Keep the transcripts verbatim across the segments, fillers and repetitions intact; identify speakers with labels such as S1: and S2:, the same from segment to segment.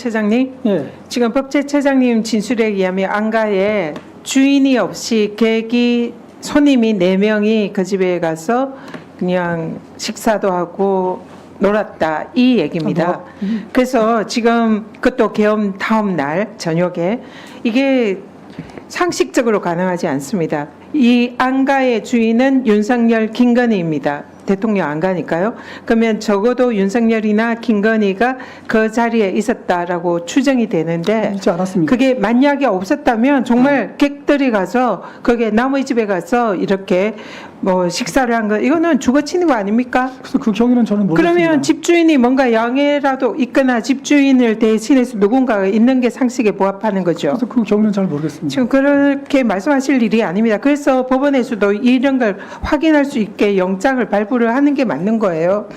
S1: 법제처장님,
S2: 예.
S1: 지금 법제처장님 진술에 의하면 안가에 주인이 없이 객이 손님이 네 명이 그 집에 가서 그냥 식사도 하고 놀았다 이 얘기입니다.
S2: 아, 뭐,
S1: 그래서 지금 그것도 계엄 다음 날 저녁에 이게 상식적으로 가능하지 않습니다. 이 안가의 주인은 윤석열, 김건희입니다. 대통령 안 가니까요. 그러면 적어도 윤석열이나 김건희가 그 자리에 있었다라고 추정이 되는데
S2: 있지 않았습니다.
S1: 그게 만약에 없었다면 정말 객들이 가서 거기에 남의 집에 가서 이렇게 뭐 식사를 한 거 이거는 주거침입 아닙니까?
S2: 그래서 그 경위는 저는 모르겠습니다.
S1: 그러면 집주인이 뭔가 양해라도 있거나 집주인을 대신해서 누군가가 있는 게 상식에 부합하는 거죠.
S2: 그래서 그 경위는 잘 모르겠습니다.
S1: 지금 그렇게 말씀하실 일이 아닙니다. 그래서 법원에서도 이런 걸 확인할 수 있게 영장을 발부를 하는 게 맞는 거예요.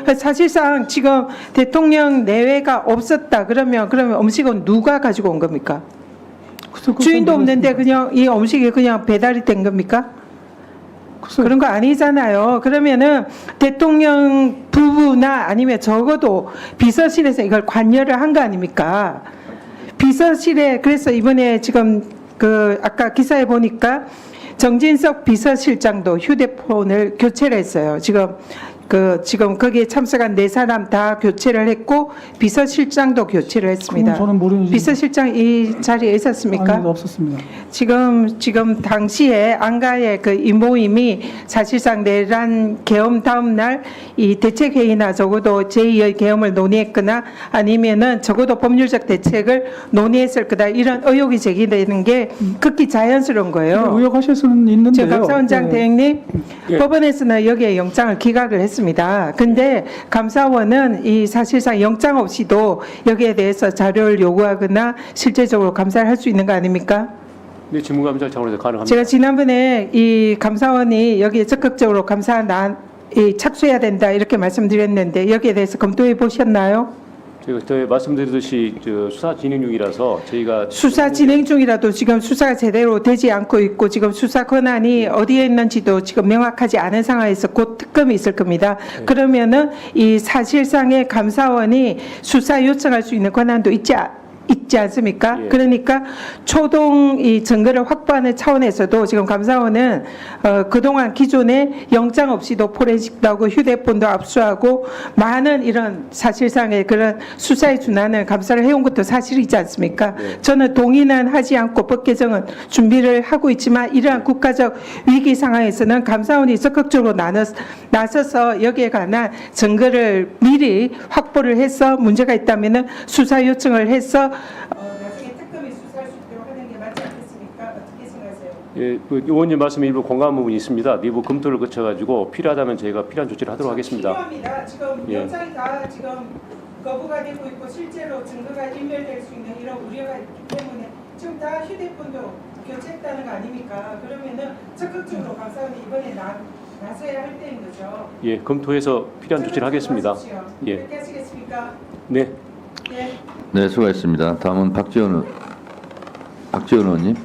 S1: 사실상 지금 대통령 내외가 없었다 그러면 그러면 음식은 누가 가지고 온 겁니까?
S2: 그래서
S1: 주인도
S2: 그건
S1: 없는데
S2: 모르겠습니다.
S1: 그냥 이 음식이 그냥 배달이 된 겁니까?
S2: 글쎄,
S1: 그런 거 아니잖아요. 그러면은 대통령 부부나 아니면 적어도 비서실에서 이걸 관여를 한 거 아닙니까? 비서실에 그래서 이번에 지금 그 아까 기사에 보니까 정진석 비서실장도 휴대폰을 교체를 했어요. 지금 그 지금 거기에 참석한 네 사람 다 교체를 했고 비서실장도 교체를 했습니다.
S2: 그건 저는 모르는
S1: 비서실장 이 자리에 있었습니까?
S2: 아니, 없었습니다.
S1: 지금 지금 당시에 안가의 그 이 모임이 사실상 내란 계엄 다음 날 이 대책 회의나 적어도 제이의 계엄을 논의했거나 아니면은 적어도 법률적 대책을 논의했을 거다 이런 의혹이 제기되는 게 극히 자연스러운 거예요.
S2: 의혹하실 수는 있는데요.
S1: 저 감사원장
S2: 예.
S1: 대행님,
S3: 예.
S1: 법원에서는 여기에 영장을 기각을 했습니다. 근데 감사원은 이 사실상 영장 없이도 여기에 대해서 자료를 요구하거나 실제적으로 감사를 할 수 있는 거 아닙니까?
S3: 네, 직무감사 차원에서 가능합니다.
S1: 제가 지난번에 이 감사원이 여기에 적극적으로 감사 나, 이 착수해야 된다 이렇게 말씀드렸는데 여기에 대해서 검토해 보셨나요?
S3: 제가 저희 말씀드렸듯이 저 수사 진행 중이라서 저희가
S1: 수사 진행 중이라도 지금 수사가 제대로 되지 않고 있고 지금 수사 권한이 어디에 있는지도 지금 명확하지 않은 상황에서 곧 특검이 있을 겁니다. 그러면은 이 사실상의 감사원이 수사 요청할 수 있는 권한도 있지 않- 있지 않습니까?
S3: 예.
S1: 그러니까 초동 이 증거를 확보하는 차원에서도 지금 감사원은 어, 그동안 기존에 영장 없이도 포렌식도 하고 휴대폰도 압수하고 많은 이런 사실상의 그런 수사에 준하는 감사를 해온 것도 사실이지 않습니까?
S3: 네.
S1: 저는 동의는 하지 않고 법 개정은 준비를 하고 있지만 이러한 국가적 위기 상황에서는 감사원이 적극적으로 나눠, 나서서 여기에 관한 증거를 미리 확보를 해서 문제가 있다면은 수사 요청을 해서 어, 나중에 특검이 수사할 수 있도록 하는 게 맞지 않겠습니까? 어떻게 생각하세요?
S3: 예, 그 의원님 말씀에 일부 공감한 부분이 있습니다. 내부 검토를 거쳐가지고 필요하다면 저희가 필요한 조치를 하도록 하겠습니다.
S1: 필요합니다. 지금
S3: 예.
S1: 영장이 다 지금 거부가 되고 있고 실제로 증거가 인멸될 수 있는 이런 우려가 있기 때문에 지금 다 휴대폰도 교체했다는 거 아닙니까? 그러면은 적극적으로 감사원이 이번에 나, 나서야 할 때인 거죠.
S3: 예, 검토해서 필요한 조치를 하겠습니다.
S1: 하십시오.
S3: 예.
S1: 그렇게 하시겠습니까?
S3: 네.
S1: 네.
S4: 네, 수고하셨습니다. 다음은 박지원, 의- 박지원 의원님.